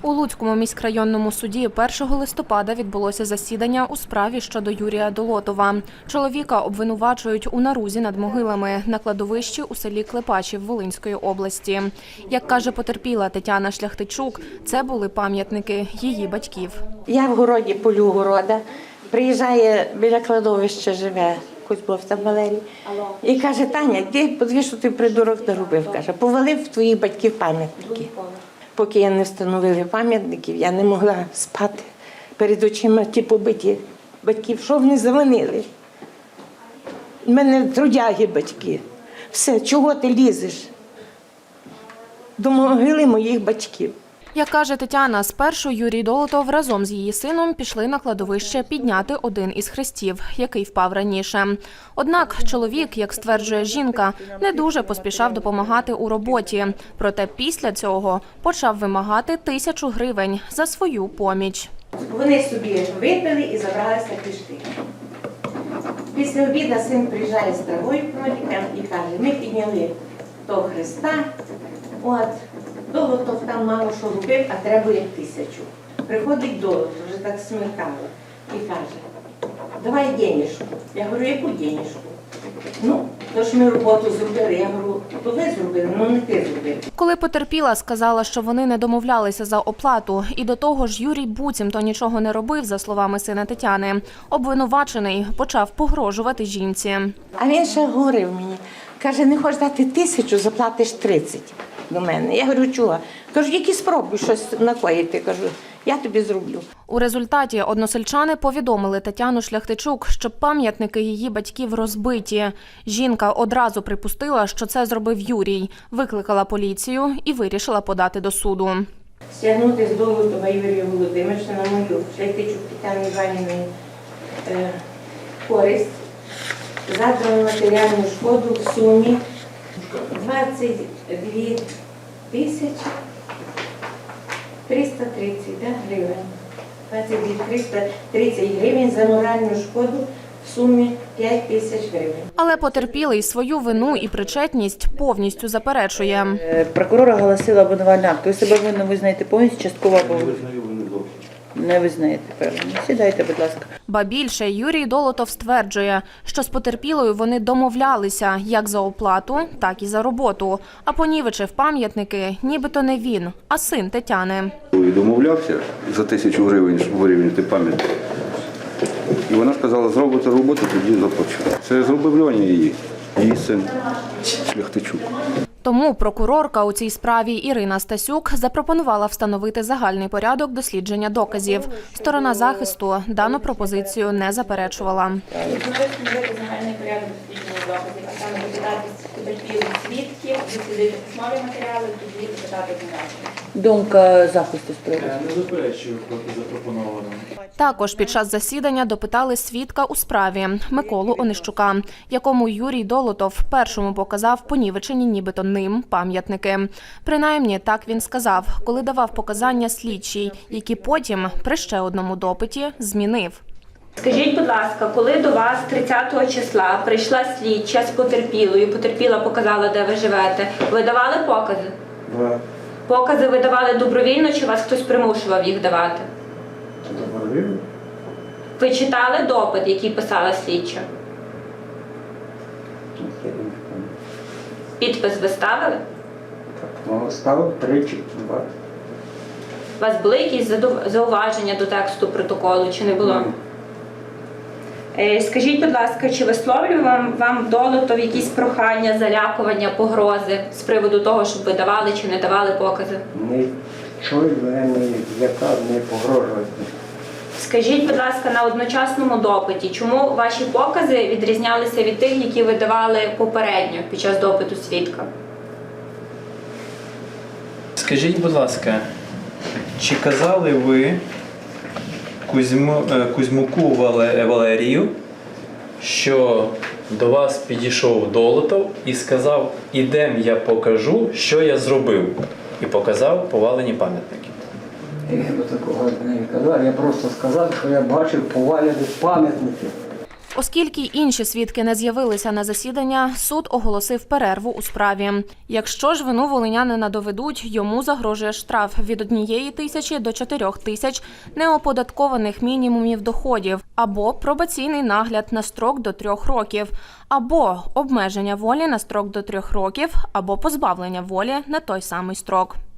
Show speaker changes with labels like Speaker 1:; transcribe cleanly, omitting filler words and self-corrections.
Speaker 1: У Луцькому міськрайонному суді 1 листопада відбулося засідання у справі щодо Юрія Долотова. Чоловіка обвинувачують у нарузі над могилами на кладовищі у селі Клепачів Волинської області. Як каже потерпіла Тетяна Шляхтичук, це були пам'ятники її батьків.
Speaker 2: Я в городі полю города, приїжджає біля кладовища, живе Кузьбов там Валерій, і каже: Таня, ти подивись, що ти придурок наробив. Каже, повалив твоїх батьків пам'ятники. Поки я не встановили пам'ятників, я не могла спати перед очима ті побиті батьків. Що вони завинили? У мене трудяги батьки. Все, чого ти лізеш? До могили моїх батьків.
Speaker 1: Як каже Тетяна, спершу Юрій Долотов разом з її сином пішли на кладовище підняти один із хрестів, який впав раніше. Однак чоловік, як стверджує жінка, не дуже поспішав допомагати у роботі. Проте після цього почав вимагати 1000 гривень за свою поміч.
Speaker 2: Вони собі випили і забралися пішти. Після обіду син приїжджає з травою кроликом і каже: ми підняли того хреста, Долотов там мало що робив, а треба як 1000. Приходить Долотов, вже так смеркало, і каже: давай денежку. Я говорю: яку денежку? Ну, то ж ми роботу зробили. Я говорю: то ви зробили, ну не ти зробив.
Speaker 1: Коли потерпіла, сказала, що вони не домовлялися за оплату. І до того ж Юрій буцімто нічого не робив, за словами сина Тетяни. Обвинувачений почав погрожувати жінці.
Speaker 2: А він ще говорив мені, каже: не хочеш дати 1000, заплатиш 30 до мене. Я говорю: чого? Кажу: які спробуй щось накоїти. Кажу: я тобі зроблю.
Speaker 1: У результаті односельчани повідомили Тетяну Шляхтичук, що пам'ятники її батьків розбиті. Жінка одразу припустила, що це зробив Юрій, викликала поліцію і вирішила подати до суду.
Speaker 2: Стягнути з Долотова Юрія Володимировича на мою Шляхтичук Тетяни Іванівни користь, задрану матеріальну шкоду в сумі 22 тисячі 330 гривень. 22 330 гривень за моральну шкоду в сумі 5000 гривень.
Speaker 1: Але потерпілий свою вину і причетність повністю заперечує.
Speaker 3: Прокурор оголосила обвинувальний акт. Ви себе винно визнаєте повністю, частково або не визнаєте, певно. Сідайте, будь ласка.
Speaker 1: Ба більше, Юрій Долотов стверджує, що з потерпілою вони домовлялися як за оплату, так і за роботу. А понівечив пам'ятники нібито не він, а син Тетяни.
Speaker 4: Домовлявся за 1000 гривень, щоб вирівняти пам'ятник. І вона сказала: зробите роботу, тоді заплачу. Це зробив Льоня її син Шляхтичук.
Speaker 1: Тому прокурорка у цій справі Ірина Стасюк запропонувала встановити загальний порядок дослідження доказів. Сторона захисту дану пропозицію не заперечувала.
Speaker 5: Встановити загальний порядок дослідження доказів, а саме допитати потерпілих свідків, дослідити письмові матеріали, тоді допитати обвинувачених.
Speaker 3: Думка захисту справи.
Speaker 6: Не заперечую проти запропонованого.
Speaker 1: Також під час засідання допитали свідка у справі Миколу Онищука, якому Юрій Долотов першому показав понівечені нібито ним пам'ятники. Принаймні, так він сказав, коли давав показання слідчій, які потім при ще одному допиті змінив.
Speaker 5: Скажіть, будь ласка, коли до вас 30 числа прийшла слідча з потерпілою, потерпіла показала, де ви живете, ви давали покази?
Speaker 7: Да.
Speaker 5: Покази ви давали добровільно, чи вас хтось примушував їх давати?
Speaker 7: Добровільно.
Speaker 5: Ви читали допит, який писала слідча? Підпис ви ставили?
Speaker 7: Ну, ставив 3 чи 2.
Speaker 5: У вас були якісь зауваження до тексту протоколу, чи не було? Скажіть, будь ласка, чи висловлював вам Долотов якісь прохання, залякування, погрози з приводу того, щоб ви давали чи не давали покази?
Speaker 7: Нічого мене не злякав, не погрожував.
Speaker 5: Скажіть, будь ласка, на одночасному допиті, чому ваші покази відрізнялися від тих, які ви давали попередньо під час допиту свідка?
Speaker 6: Скажіть, будь ласка, чи казали ви Кузьмуку Валерію, що до вас підійшов Долотов і сказав: ідем, я покажу, що я зробив, і показав повалені пам'ятники?
Speaker 7: Я такого не казав, я просто сказав, що я бачив повалені пам'ятники.
Speaker 1: Оскільки інші свідки не з'явилися на засідання, суд оголосив перерву у справі. Якщо ж вину волинянина доведуть, йому загрожує штраф від 1 тисячі до 4 тисяч неоподаткованих мінімумів доходів, або пробаційний нагляд на строк до 3 років, або обмеження волі на строк до 3 років, або позбавлення волі на той самий строк.